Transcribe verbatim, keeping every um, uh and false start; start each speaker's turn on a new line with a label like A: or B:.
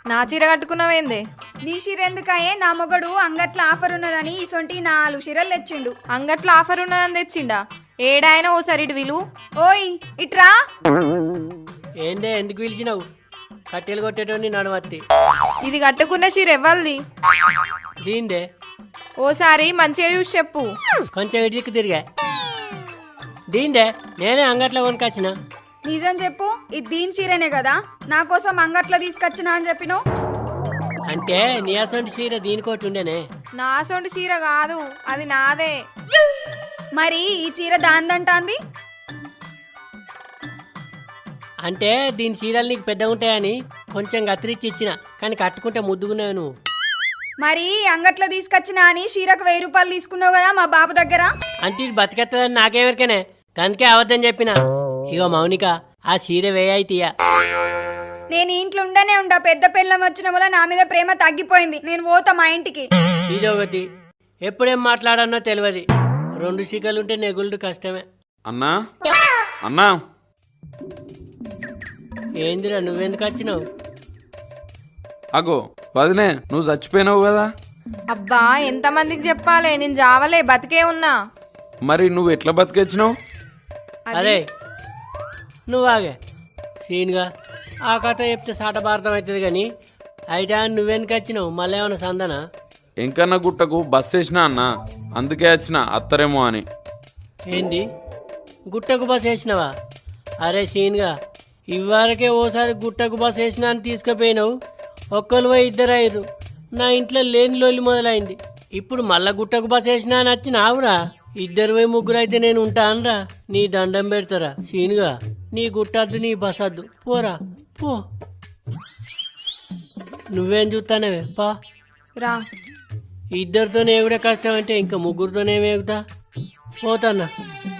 A: నా చీర కట్టుకున్నావేందే?
B: నీ చీర ఎందుకయే? నా మొగడు అంగట్ల ఆఫర్ ఉన్నదని ఇసొంటి నాలుగు చీరలు తెచ్చిండు.
A: అంగట్లో ఆఫర్ ఉన్నదని తెచ్చిండా? ఏడాయన ఓసారి ఇటు విలు.
B: ఓయ్ ఇట్రా.
C: ఏందే ఎందుకు పిలిచినావు? కట్టెలు కొట్టేటోని నడవత్తి.
A: ఇది కట్టుకున్న చీర ఎవ్వల్ది?
C: దీందే.
A: ఓసారి మంచిగా చూసి చెప్పు.
C: కొంచెం ఇటుకు తిరిగా. దీందే, నేనే అంగట్లో కొనుకొచ్చిన.
B: నిజం చెప్పు, ఇది దీని చీరనే కదా? నా కోసం అంగట్లో తీసుకొచ్చినా అని చెప్పినావు.
C: అంటే నీ అసొంటి చీర దీనికోటి ఉండేనే.
A: నా సొంటి చీర కాదు, అది నాదే.
B: మరి ఈ చీర దాందంటాంది?
C: అంటే దీని చీరలు నీకు పెద్దగా ఉంటాయని కొంచెం కత్తిరించి ఇచ్చిన, కానీ కట్టుకుంటే ముద్దుగున్నావు నువ్వు.
B: మరి అంగట్లో తీసుకొచ్చినా అని చీరకు వెయ్యి రూపాయలు తీసుకున్నావు కదా మా బాబు దగ్గర.
C: అంటే ఇది బతికెత్తదని నాకేవరికనే, అందుకే అవద్దని చెప్పిన. ఇగో మౌనిక, ఆ చీర వేయయితీయ.
B: నేను ఇంట్లో ఉండనే ఉండా. పెద్ద పిల్లం వచ్చిన వల్ల నా మీద ప్రేమ తగ్గిపోయింది. నేను పోతా మా ఇంటికి.
C: ఇదొకటి, ఎప్పుడేం మాట్లాడన్నో తెలియదు. రెండు చీకలుంటే నెగులుడు కష్టమే.
D: అన్నా అన్నా
C: ఏందిరా నువ్వెందుకు వచ్చినావు?
D: అగో వదినే, నువ్వు చచ్చిపోయినావు కదా.
A: అబ్బా ఎంతమందికి చెప్పాలే, నేను జావలే, బతికే ఉన్నా.
D: మరి నువ్వు ఎట్లా బతికొచ్చినావు?
C: అరే నువ్వు ఆగే సీన్గా ఆ కథ చెప్తే సాట భారతం అవుతుంది కానీ అయితే నువ్వెందుకు వచ్చినావు? మళ్ళీ ఏమన్నా సందనా?
D: ఎంకన్న గుట్టకు బస్ వేసినా అన్న, అందుకే వచ్చిన అత్తరేమో అని.
C: ఏంది గుట్టకు బస్ వేసినావా? అరే సీన్గా ఇవ్వరకే ఓసారి గుట్టకు బస్ వేసినా అని తీసుకుపోయినావు. ఒక్కరు పోయి ఇద్దరు అయ్యారు. నా ఇంట్లో లేని లోలి మొదలైంది. ఇప్పుడు మళ్ళా గుట్టకు బస్ వేసినా అని వచ్చినావురా. ఇద్దరు పోయి ముగ్గురు అయితే నేను ఉంటా అనరా? నీ దండం పెడతారా సీన్గా? నీ గుట్టద్దు, నీ బస్ వద్దు, పోరా పో. నువ్వేం చూస్తానవే పా.
A: రా.
C: ఇద్దరితోనే ఎగుడే కష్టం అంటే ఇంకా ముగ్గురితోనే ఎగుతా. పోతాన్నా.